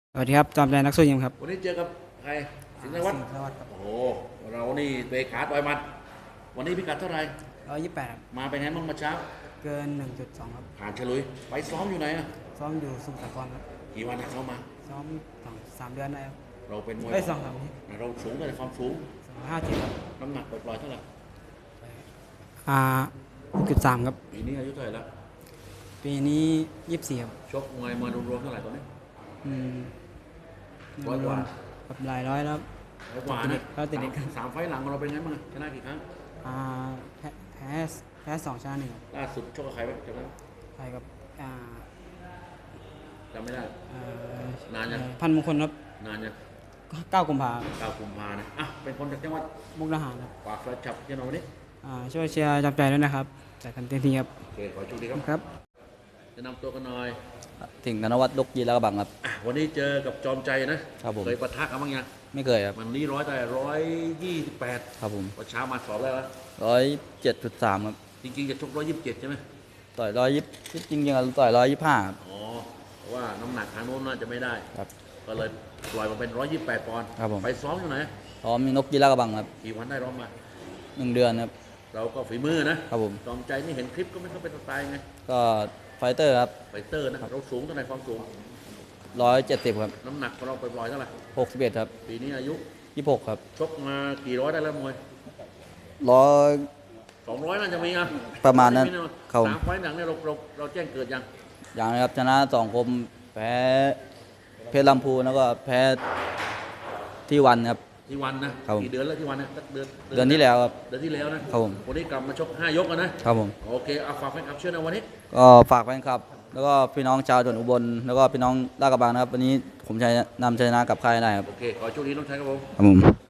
สวัสดีครับจอมใจนักสู้ยิมครับวันนี้เจอกับใครสิงห์นวัตรสิงห์นวัตรครับโอ้โหเรานี่เตะขาต่อยหมัดวันนี้พิกัดเท่าไหร่ 128ครับมาเป็นไงบ้างเมาเช้าเกิน1.2ครับผ่านฉลุยไปซ้อมอยู่ไหนอะซ้อมอยู่สมุทรสาครครับกี่วันนะซ้อมมาซ้อม3 เดือนได้ครับเราเป็นมวย 2 3นี้เราสูงเลยความสูง 257ครับน้ำหนักปล่อยๆเท่าไหร่ 6.3ครับปีนี้อายุเท่าไหร่แล้วปีนี้24ครับชกมวยมารวมๆเท่าไหร่ตอนนี้อืมร้อยกว่ากับหลายร้อยแล้วร้อยกว่านะติดเด็กครับสามไฟล์หลังของเราเป็นไงบ้างชนะกี่ครั้งอ่าแพ้แพ้แพ้2 ชนะ1ครับล่าสุดชกกับใครไปจำได้ใช่ครับจำไม่ได้เอ่นานยังพันมงคลครับนานยัง 9 กุมภาพันธ์ 9 กุมภานะอ่ะเป็นคนจากจังหวัดมุกดาหารครับฝากแฟนคลับที่เราวันนี้ช่วยเชียร์จอมใจด้วยนะครับจัดกันเต็มที่ครับโอเคขอโชคดีครับครับจะนำตัวกันหน่อยถึงธนวัฒน์ลกยีแล้วก็บังครับวันนี้เจอกับจอมใจนะครับผมเคยปะทะกันบ้างยังไม่เคยครับวันนี้128 ครับผมวันเช้ามาสอบได้แล้ว 107.3ครับจริงๆจะชก127ใช่ไหมต่อย120จริงๆอะต่อย125ครับอ๋อเพราะว่าน้ำหนักทางโน้นน่าจะไม่ได้ครับก็เลยปล่อยมาเป็น128ปอนด์ครับผมไปซ้อมอยู่ไหนพร้อมมีนกยีแล้วก็บังครับกี่วันได้ร้องมา 1 เดือนครับเราก็ฝีมือนะครับผมจอมใจนี่เห็นคลิปก็ไม่เข้าเป็นสไตล์ไงก็ไฟเตอร์ครับไฟเตอร์นะเราสูงเท่าไหร่ความสูง 170ครับน้ำหนักของเราปล่อยๆเท่าไหร่ 61ครับปีนี้อายุ 26ครับชกมากี่ร้อยได้แล้วมวย 100 200น่าจะมีอ่ะประมาณนั้นครับสามไฟล์หนังเนี่ยเราแจ้งเกิดยังอย่างนะครับชนะ2 คมแพ้เพชรลำพูนแล้วก็แพ้ที่วันครับที่วันนะครับกี่เดือนแล้วที่วันนะสักเดือนที่แล้วครับเดือนที่แล้วครับผมวันนี้กลับมาชก5 ยกนะครับผมโอเคเอาฝากแฟนคลับเชื่อนะวันนี้ก็ฝากแฟนคลับแล้วก็พี่น้องชาวจังหวัดอุบลแล้วก็พี่น้องลาดกระบังนะครับวันนี้ผมชัยนำชัยชนะกับค่ายได้ครับโอเคขอโชคดีน้องชายครับผมครับผม